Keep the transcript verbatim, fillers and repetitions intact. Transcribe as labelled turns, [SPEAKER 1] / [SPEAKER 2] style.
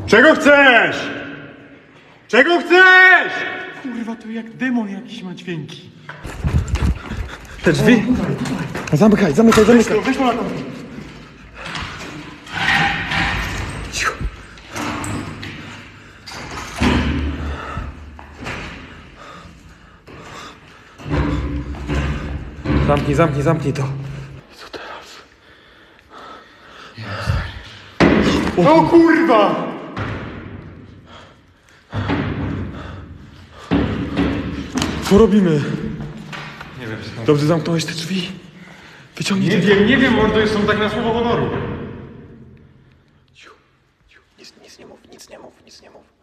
[SPEAKER 1] Czego chcesz? Czego chcesz?
[SPEAKER 2] Kurwa, to jak demon jakiś ma dźwięki.
[SPEAKER 3] Te drzwi? Zamykaj, zamykaj, zamykaj.
[SPEAKER 1] To, weź mu na to.
[SPEAKER 3] Cicho. Zamknij, zamknij, zamknij to. Co teraz?
[SPEAKER 1] O kurwa!
[SPEAKER 3] Co robimy?
[SPEAKER 2] Nie wiem, co.
[SPEAKER 3] Dobrze zamknąłeś te drzwi? Wyciągnij
[SPEAKER 2] Nie
[SPEAKER 3] te...
[SPEAKER 2] wiem, nie wiem, mordo, są tak na słowo honoru.
[SPEAKER 3] Cicho, cicho. Nic, nic nie mów, nic nie mów, nic nie mów.